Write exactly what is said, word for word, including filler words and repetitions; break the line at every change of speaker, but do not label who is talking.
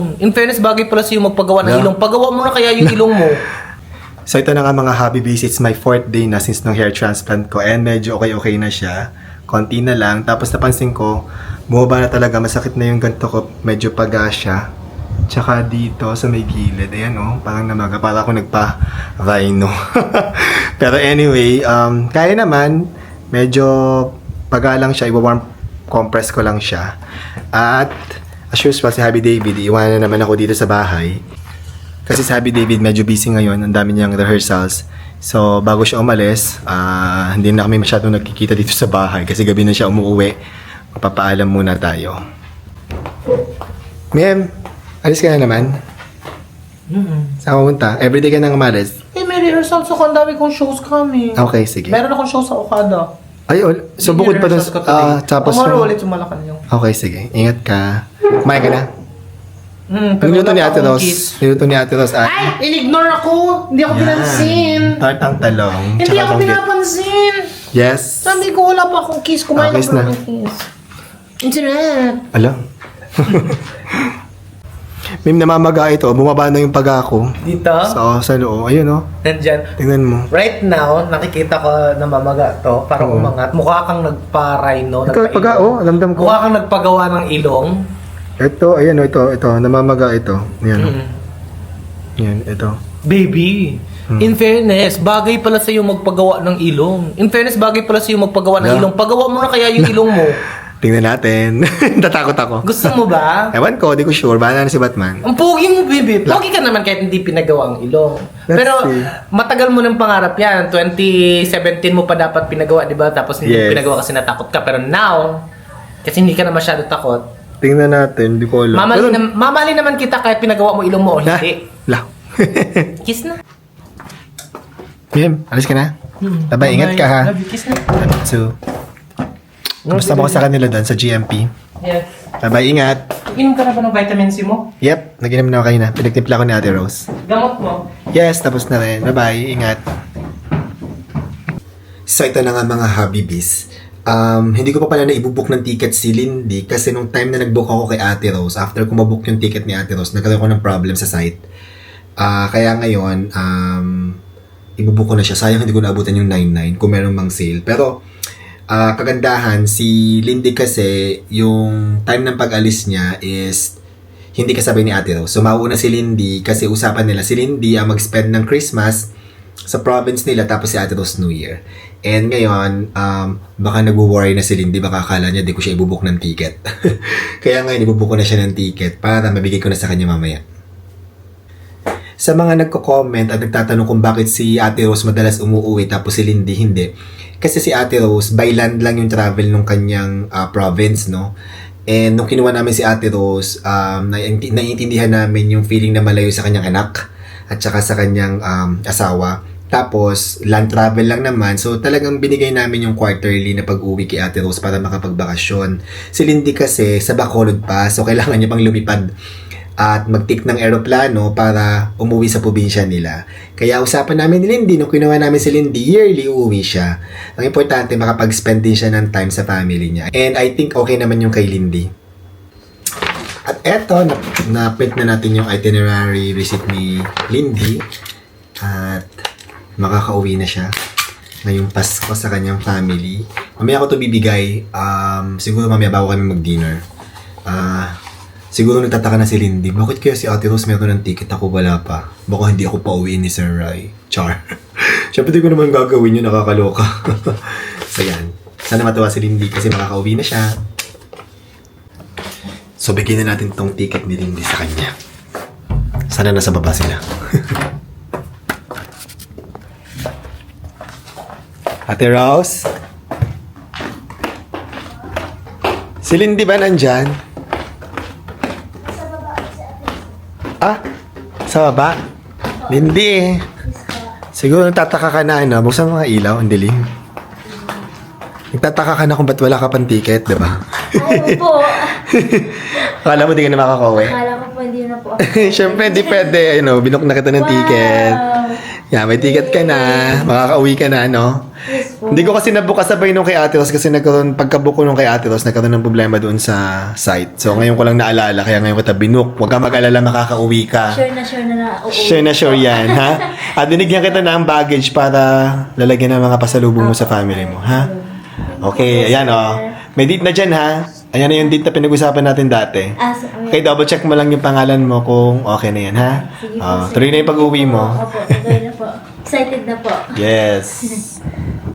In fairness, bagay pala sa'yo magpagawa ng
Yeah.
ilong. Pagawa mo na kaya yung ilong mo.
So ito na nga mga hobby base, it's my fourth day na since nung hair transplant ko and medyo okay-okay na siya. Konti na lang. Tapos napansin ko, bumaba na talaga, masakit na yung ganto ko, medyo paga siya. Tsaka dito sa may gilid, ayan oh, parang namaga, para ako nagpa-rhino. Pero anyway, um, kaya naman, medyo paga lang siya, iwa-warm compress ko lang siya. At as usual, si Happy David, iwanan na naman ako dito sa bahay. Kasi si Happy David medyo busy ngayon, ang dami niyang rehearsals. So, bago siya umalis, uh, hindi na kami masyadong nagkikita dito sa bahay kasi gabi na siya umuwi. Magpapaalam muna tayo. Ma'am, alis ka na naman?
Mm-hmm.
Saan ka pumunta? Everyday ka nang umalis?
Eh, may rehearsals ako. Ang dami kong shows kami.
Okay, sige.
Meron akong show sa Okada.
Ay, ol- so bukod pa doon, ah, tapos
Tomorrow
yung-
ulit yung Malacanang.
Okay, sige. Ingat ka. Kumain ka na?
Hmm,
Niluto ni
wala
Ate
pa akong
Ros.
kiss.
Niluto ni Ate Ros.
Ay! In-ignore ako! Hindi ako pinansin!
Tartang talong.
Hindi
tsaka
ako
bonggit.
pinapansin!
Yes.
Sabi ko, wala pa akong kiss. Kumain
Ah, kiss
ako
na.
ng kiss. Internet!
Alam. Mim, namamaga ito. Bumaba na yung paga ko.
Dito?
So, sa loob. Ayun, oh.
Nandyan.
Tingnan mo.
Right now, nakikita ko na mamaga to. Parang
Oo.
umangat. Mukha kang nagpa-rhino.
Ito,
nagpa-ilong.
paga, oh. Alamdam ko.
Mukha kang nagpagawa ng ilong.
Ito, ayan, oh. Ito, ito. Namamaga ito. Ayan, oh.
Mm.
Yan, ito.
Baby, in fairness, bagay pala sa'yo magpagawa ng ilong. In fairness, bagay pala sa'yo magpagawa ng
Yeah.
ilong. Pagawa mo na kaya yung ilong mo.
Tingnan natin. Tatakot ako.
Gusto mo ba?
Ewan ko, di ko sure. Bahala na si Batman.
Ang pogi mo, baby. Pogi ka naman kahit hindi pinagawa ang ilong.
Let's
Pero
see.
matagal mo ng pangarap yan. twenty seventeen mo pa dapat pinagawa, di ba? Tapos hindi
Yes.
mo pinagawa kasi natakot ka. Pero now, kasi hindi ka na masyado takot,
Tingnan natin, di ko alam.
mamali,
Pero-
na, mamali naman kita kahit pinagawa mo ilong mo o
Ha?
hindi.
La.
Kiss na.
Mim, alis ka na.
Hmm.
Bye-bye, ingat ka, ha?
Love you, kiss na.
So, basta mo ko sa kanila doon sa G M P.
Yes.
Bye-bye, ingat.
Inom ka na ba ng vitamin C mo?
Yep, naginom na ako kayo na. Pinagtimpla ko ni Ate Rose.
Gamot mo?
Yes, tapos na rin. Bye-bye, ingat. So, ito na nga mga hobby bees. Um, hindi ko pa pala na ibubook ng ticket si Lindy kasi nung time na nag-book ako kay Ate Rose, after ko mabook yung ticket ni Ate Rose, nagkaroon ko ng problem sa site. Ah, kaya ngayon, um, ibubook ko na siya. Sayang hindi ko naabutan yung nine nine kung meron mang sale. Pero, ah, kagandahan, si Lindy kasi, yung time ng pag-alis niya is hindi kasabay ni Ate Rose. So, mauuna si Lindy kasi usapan nila si Lindy ang mag-spend ng Christmas sa province nila tapos si Ate Rose New Year. And ngayon, um, baka nag-worry na si Lindy, baka akala niya di ko siya ibubuk ng ticket. Kaya ngayon, ibubuk ko na siya ng ticket para mabigay ko na sa kanya mamaya. Sa mga nagko-comment at nagtatanong kung bakit si Ate Rose madalas umuwi tapos si Lindy hindi. Kasi si Ate Rose, by land lang yung travel nung kanyang uh, province, no? And nung kinuha namin si Ate Rose, um, nai- naiintindihan namin yung feeling na malayo sa kanyang anak at saka sa kanyang um, asawa. Tapos, land travel lang naman. So, talagang binigay namin yung quarterly na pag-uwi kay Ate Rose para makapagbakasyon. Si Lindy kasi, sa Bacolod pa. So, kailangan niya pang lumipad at mag-take ng eroplano para umuwi sa probinsya nila. Kaya usapan namin ni Lindy, nung kinuha namin si Lindy, yearly uwi siya. Ang importante, makapag-spend din siya ng time sa family niya. And I think okay naman yung kay Lindy. At eto, na-print na natin yung itinerary receipt ni Lindy. At makakauwi na siya ngayong Pasko sa kanyang family. Mamaya ako to bibigay. Um, siguro mamaya bago kami mag-dinner. Ah... Uh, Siguro nagtataka na si Lindy, bakit kaya si Ate Rose meron ng ticket, ako wala pa? Baka hindi ako pauwiin ni Sir Rai. Char. Siyempre di ko naman gagawin yun, nakakaloka. So yan. Sana matuwa si Lindy kasi makakauwi na siya. So bigyan na natin tong ticket ni Lindy sa kanya. Sana nasa baba sila. Ate Rose? Si Lindy ba nandyan? Ah, sa baba? Lindy eh. Siguro nagtataka ka na, ano? Buksan mo mga ilaw, ang dilim. Nagtataka ka na kung ba't wala ka pang ticket, diba?
Ayaw po.
Akala mo di ka na makakauwi?
Akala ko po po, hindi na po ako.
Siyempre, di pwede. You know, binook na kita ng ticket. Yan, may ticket ka na. Makakauwi ka na, no?
Yes po.
Hindi ko kasi nabook kasabay nung kay Ate Ros kasi nagkaroon, pagkabook ko nung kay Ate Ros, nagkaroon ng problema doon sa site. So, ngayon ko lang naalala, kaya ngayon kita binook. Huwag ka mag-alala, makakauwi ka.
Sure na sure na na. Oo.
Sure na sure yan, ha? At binigyan kita ng baggage para lalagyan ng mga pasalubong mo sa family mo, ha? Okay, ayan, oh. May date na dyan, ha? Ayan na yung date na pinag-usapan natin dati.
Ah, so,
Okay, double check mo lang yung pangalan mo kung okay na yan, ha?
Sige po,
Ah,
sir.
tuloy na yung pag-uwi mo.
Opo, tuloy na po. Excited na po.
Yes.